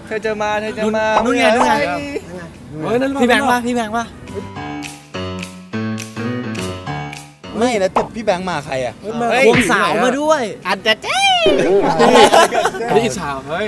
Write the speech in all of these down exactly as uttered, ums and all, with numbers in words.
เธอจะมาเธอจะมานู่นไงนู่นไงพี่แบงค์ป่ะพี่แบงค์ป่ะไม่แล้วพี่แบงค์มาใครอ่ะควงสาวมาด้วยอันจะเจ๊นี่สาวเฮ้ย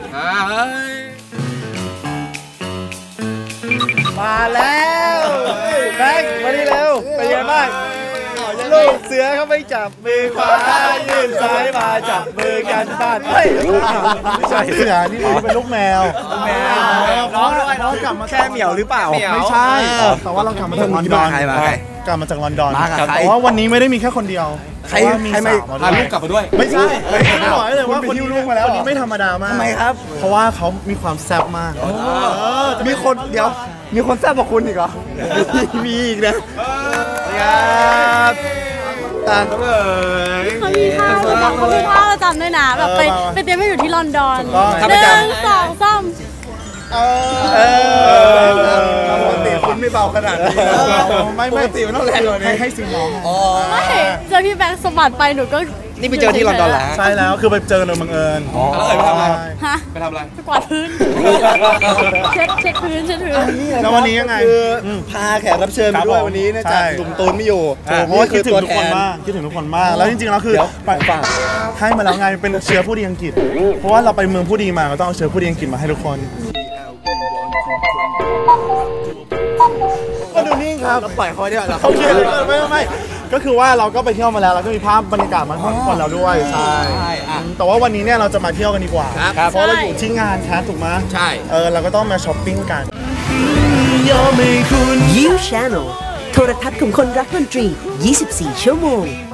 มาแล้วแบงค์มาดิเร็วเป็นยังไงบ้างลูกเสือเขาไม่จับมือขวายื่นซ้ายมาจับมือกันบ้านเฮ้ยไม่ใช่เสือนี่เป็นลูกแมวแมวน้องด้วยน้องกลับมาแค่เหมียวหรือเปล่าไม่ใช่แต่ว่าเรากลับมาจากลอนดอนกลับมาจากลอนดอนแต่ว่าวันนี้ไม่ได้มีแค่คนเดียวใครมีสาวพาลูกกลับมาด้วยไม่ใช่ไม่บอกเลยว่าคนนี้ลูกมาแล้วคนนี้ไม่ธรรมดามากทำไมครับเพราะว่าเขามีความแซ่บมากมีคนเดี๋ยวมีคนแซ่บกว่าคุณอีกเหรอมีอีกนะครับต่างกันเลยเขามีท่าเขามีท่าประจำด้วยนะแบบไปไปเตรียมให้อยู่ที่ลอนดอนหนึ่งสองสามเออปกติคุณไม่เบาขนาดนี้ไม่ไม่ปกติมันต้องแรงกว่านี้ให้ซีน้องไม่เจอพี่แบงค์สมัติไปหนูก็นี่ไปเจอที่ลอนดอนแล้วใช่แล้วคือไปเจอโดยบังเอิญอ๋อแล้วไปทำอะไรฮะไปทำอะไรไปกวาดพื้นเช็ดเช็ดพื้นเช็ดพื้นแล้ววันนี้ยังไงคือพาแขกรับเชิญมาด้วยวันนี้นะจ๊ะหนุ่มตูนไม่อยู่เพราะว่าคิดถึงทุกคนมากคิดถึงทุกคนมากแล้วจริงๆแล้วคือไปฝากให้มาแล้วไงเป็นเชื้อผู้ดีอังกฤษเพราะว่าเราไปเมืองผู้ดีมาเราต้องเอาเชื้อผู้ดีอังกฤษมาให้ทุกคนก็ดูนิ่งครับปล่อยเขาเนี่ยเราเขาเขียนไม่ไม่ก็คือว่าเราก็ไปเที่ยวมาแล้วเราก็มีภาพบรรยากาศมาให้ทุกคนเราด้วยใช่แต่ว่าวันนี้เนี่ยเราจะมาเที่ยวกันดีกว่าเพราะเราอยู่ที่งานแคสถูกไหมใช่เออเราก็ต้องมาช้อปปิ้งกัน You Channel โทรทัศน์ของคนรักดนตรียี่สิบสี่ชั่วโมง